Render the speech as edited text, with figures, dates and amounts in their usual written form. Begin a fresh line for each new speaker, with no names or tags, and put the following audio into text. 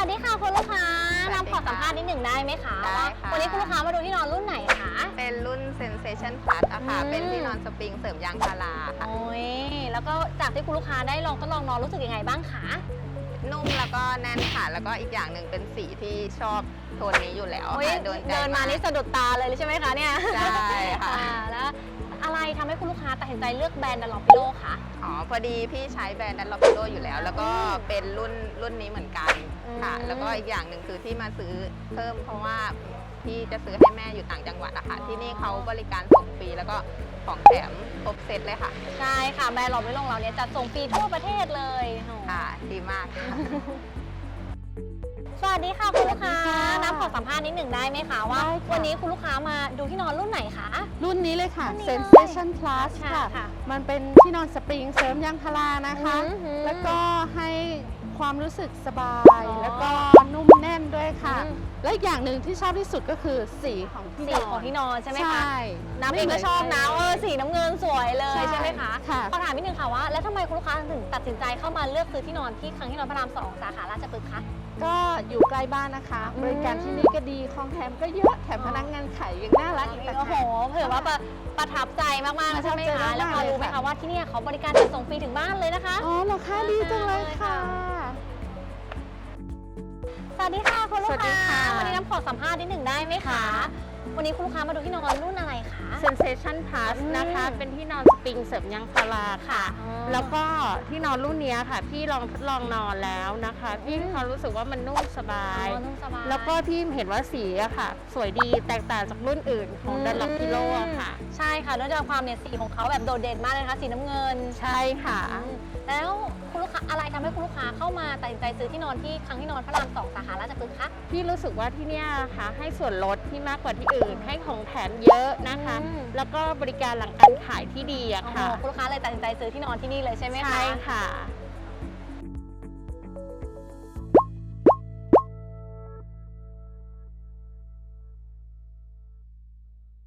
ดีค่ะคุณลูกค้า
สวัสดีค่ะ
นำขอสัมภาษณ์นิดหนึ่งได้ไหมคะ
ได้
ว่า
ค่ะ
วันนี้คุณลูกค้ามาดูที่นอนรุ่นไหนคะ
เป็นรุ่น Sensation Plus อะค่ะ เป็นที่นอนสปริงเสริมยางพาราค่ะ
โอ้ยแล้วก็จากที่คุณลูกค้าได้ลองทดลองนอนรู้สึกยังไงบ้างคะ
นุ่มแล้วก็แน่นค่ะ แล้วก็อีกอย่างหนึ่งเป็นสีที่ชอบโทนนี้อยู่แล้ว
โอ้ย
ค่ะโดนใจ
เดินมานี่สะดุดตาเลยใช่ไหมคะเนี่ย
ใช่ค่ะ
แล้วอะไรทำให้คุณลูกค้าตัดสินใจเลือกแบรนด์ดันลอปิโลคะ
อ๋อ พอดีพี่ใช้แบรนด์ดันลอปิโลอยู่แล้ว แล้วก็เป็นรุ่นนี้เหมือนกันค่ะ
อืม
แล้วก็อีกอย่างหนึ่งคือที่มาซื้อเพิ่มเพราะว่าพี่จะซื้อให้แม่อยู่ต่างจังหวัดอะค่ะ ที่นี่เขาบริการส่งฟรีแล้วก็ของแถมครบเซตเลยค่ะ
ใช่ค่ะแบรนด์ลอปิโลของเราเนี่ยจัดส่งฟรีทั่วประเทศเลยโอ้
ค่ะ ดีมากค่ะ
สวัสดีค่ะคุณลูกค้า
สวัสดีค่ะ
น้ำขอสัมภาษณ์นิดหนึ่งได้ไหมคะว่า
ได้ค่ะ
วันนี้คุณลูกค้ามาดูที่นอนรุ่นไหนคะ
รุ่นนี้เลยค่ะ
รุ่นนี้เลย
Sensation Plus
ค่ะ
ค่ะ
ค่ะ
มันเป็นที่นอนสปริงเสริมยางพารานะคะ
อือหือ
แล้วก็ให้ความรู้สึกสบาย
อ๋อ
แล้วก็นุ่มแน่นด้วยค่ะ
อืม
และอีกอย่างหนึ่งที่ชอบที่สุดก็คือสีของที่
สี
นอน
ของที่นอนใช่ไหมคะ
ใช่
น้ำเองก็ชอบนะ
ไม่เหมือนใคร
สีน้ำเงินสวยเลย
ใช่
ใช่ไหมคะ
ค่ะ
ขอถามนิดนึงค่ะว่าแล้วทำไมคุณลูกค้าถึงตัดสินใจเข้ามาเลือกซื้อที่นอนที่ครั้งที่นอนพระราม 2 สาขาราชพฤกษ์คะ
ก็อยู่ใกล้บ้านนะคะ
อืม
บริการที่นี่ก็ดีของแถมก็เยอะแถมพนักงานขายยังน่ารักอีกต่าง
โอ้โห
หาก
เผื่อว่าประทับใจมากๆเลยใช่ไหม
ประทับใจ
คะ
มากๆ
แล้วพอรู้ไหม
เลย
คะ
ค่ะ
ว่าที่เนี่ยเขาบริการจัดส่งฟรีถึงบ้านเลยนะคะ
อ๋อเหรอคะดีจังเลยค่ะ
สวัสดีค่ะคุณลูก
สวัสดี
ค้า
ค่ะ
วันนี้น้ำขอสัมภาษณ์นิดหนึ่งได้ไหมคะ วันนี้คุณลูกค้ามาดูที่นอนรุ่นอะไรคะ
Sensation Plus
อืม
นะคะ เป็นที่นอนสปริงเสริมยางพาราค่ะ
อ๋อ
แล้วก็ที่นอนรุ่นเนี้ยค่ะ พี่ลองทดลองนอนแล้วนะคะ พี่
อืม
มีความรู้สึกว่ามันนุ่มสบาย
อ๋อนุ่มสบาย
แล้วก็พี่เห็นว่าสีอะค่ะ สวยดีแตกต่างจากรุ่นอื่นของดันลอปพิโลค่ะ
ใช่ค่ะเนื่องจากความเนี่ยสีของเขาแบบโดดเด่นมากเลยนะคะสีน้ำเงิน
ใช่ค่ะ
แล้วคุณลูกค้าอะไรทำให้คุณลูกค้าเข้ามาตัดสินใจซื้อที่นอนที่ครั้งที่นอนพระราม 2 สาขาราชพฤกษ์คะ
พี่รู้สึกว่าที่เนี่ยค่ะให้ส่วนลดที่มากกว่าที่อื่น ให้ของแถมเยอะนะคะ
อืม
แล้วก็บริการหลังการขายที่ดีอะ
โอ้โห
ค่ะ
คุณลูกค้าเลยตัดสินใจซื้อที่นอนที่นี่เลยใช่ไหมคะ
ใช่ค่ะ